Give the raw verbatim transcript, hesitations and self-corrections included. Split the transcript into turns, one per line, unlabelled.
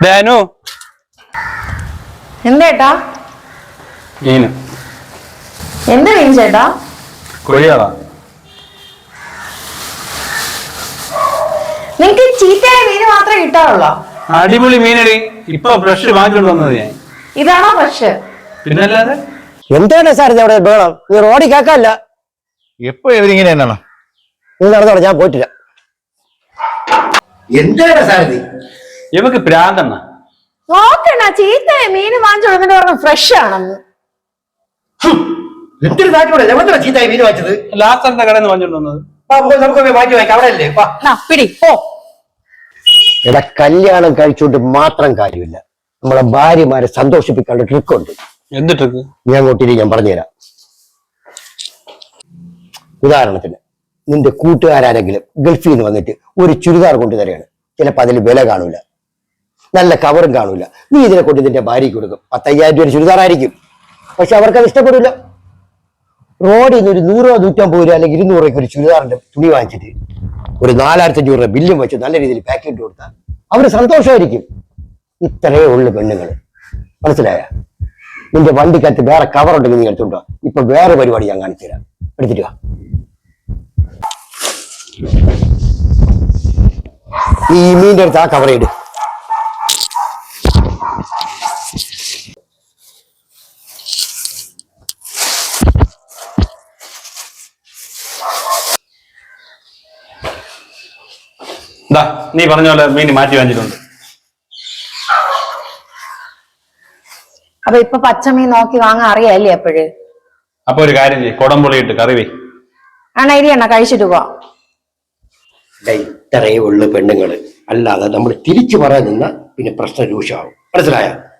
ധാനു
എന്തേട്ടാ
മീന്
എന്ത് മീൻ ചേട്ടാ?
കൊഴിയാളാ.
നിങ്ങക്ക് ചീത്തയായ മീന് മാത്രമേ കിട്ടാറുള്ളോ?
അടിപൊളി മീനടി. ഇപ്പൊ ഫ്രഷ് വാങ്ങിക്കൊണ്ട് വന്നത് ഞാൻ.
ഇതാണോ ഫ്രഷ്?
പിന്നല്ലാതെ
എന്താണ് സാർ ഇത് അവിടെ ബഹളം? നീ റോഡിൽ കേൾക്കാല്ല.
എപ്പോ ഇവരിങ്ങനെ തന്നെയാണോ?
നീ നടന്നോളെ, ഞാൻ പോയിട്ടില്ല.
എന്താണ് സാർ ഇത്?
ഇവക്ക് പ്രാന്തണ്ണ.
നോക്കണ ചീത്തയായ മീന് വാങ്ങിച്ചു കൊടുത്തിട്ട് പറഞ്ഞു ഫ്രഷ് ആണെന്ന്.
എന്തൊരു നാട്ടിലൂടെ എവിടെ ചീത്തായി മീൻ വാങ്ങിച്ചത്?
ലാസ്റ്റ് എന്താ കടന്ന് വാങ്ങിച്ചോണ്ട് വന്നത്?
നമുക്ക് വാങ്ങി വാങ്ങിക്കാം, അവിടെ അല്ലേ?
പിടി പോ.
എടാ, കല്യാണം കഴിച്ചുകൊണ്ട് മാത്രം കാര്യമില്ല, നമ്മളെ ഭാര്യമാരെ സന്തോഷിപ്പിക്കാനുള്ള ട്രിക്കുണ്ട്.
എന്ത് ട്രിക്ക്?
ഞാൻ അങ്ങോട്ടിരി ഞാൻ പറഞ്ഞുതരാം. ഉദാഹരണത്തിന്, നിന്റെ കൂട്ടുകാരെങ്കിലും ഗൾഫിൽ നിന്ന് വന്നിട്ട് ഒരു ചുരിദാർ കൊണ്ടു തരികയാണ്. ചിലപ്പോൾ അതിൽ വില കാണൂല, നല്ല കവറും കാണൂല. നീ ഇതിനെ കൊണ്ട് നിന്റെ ഭാര്യയ്ക്ക് കൊടുക്കും. പത്തയ്യായിരം രൂപ ചുരിദാർ ആയിരിക്കും, പക്ഷെ അവർക്കത് ഇഷ്ടപ്പെടില്ല. റോഡിൽ നിന്ന് ഒരു നൂറോ നൂറ്റമ്പത് രൂപ അല്ലെങ്കിൽ ഇരുന്നൂറ് രൂപയ്ക്ക് ഒരു ചുരിദാറിന്റെ തുണി വാങ്ങിച്ചിട്ട് ഒരു നാലായിരത്തി അഞ്ഞൂറ് രൂപ ബില്ലും വെച്ച് നല്ല രീതിയിൽ പാക്ക് ചെയ്ത് കൊടുത്താൽ അവര് സന്തോഷമായിരിക്കും. ഇത്രയേ ഉള്ളു പെണ്ണുങ്ങൾ, മനസ്സിലായ? നിന്റെ വണ്ടിക്കകത്ത് വേറെ കവർ ഉണ്ടെങ്കിൽ നീ എടുത്തുണ്ടോ? ഇപ്പൊ വേറെ പരിപാടി ഞാൻ കാണിച്ചു തരാം, എടുത്തിട്ട് വാ. ഈ മീൻ്റെ അടുത്ത് ആ കവർ ഇട്.
നീ പറഞ്ഞ പോലെ മീൻ മാറ്റി വാങ്ങിച്ചിട്ടുണ്ട്.
അപ്പൊ ഇപ്പൊ പച്ചമീൻ നോക്കി വാങ്ങാൻ അറിയാല്ലേ എപ്പോഴ്?
അപ്പൊ ഒരു കാര്യം ചെയ്യ്, കൊടംപുളിയിട്ട് കറി വേ.
ആണ ഇരിയണ്ണ കഴിച്ചിട്ട് പോവാ.
ഇത്രയേ ഉള്ളു പെണ്ണുങ്ങള്, അല്ലാതെ നമ്മൾ തിരിച്ചു പറയാൻ നിന്ന പിന്നെ പ്രശ്നം രൂക്ഷമാവും, മനസ്സിലായ?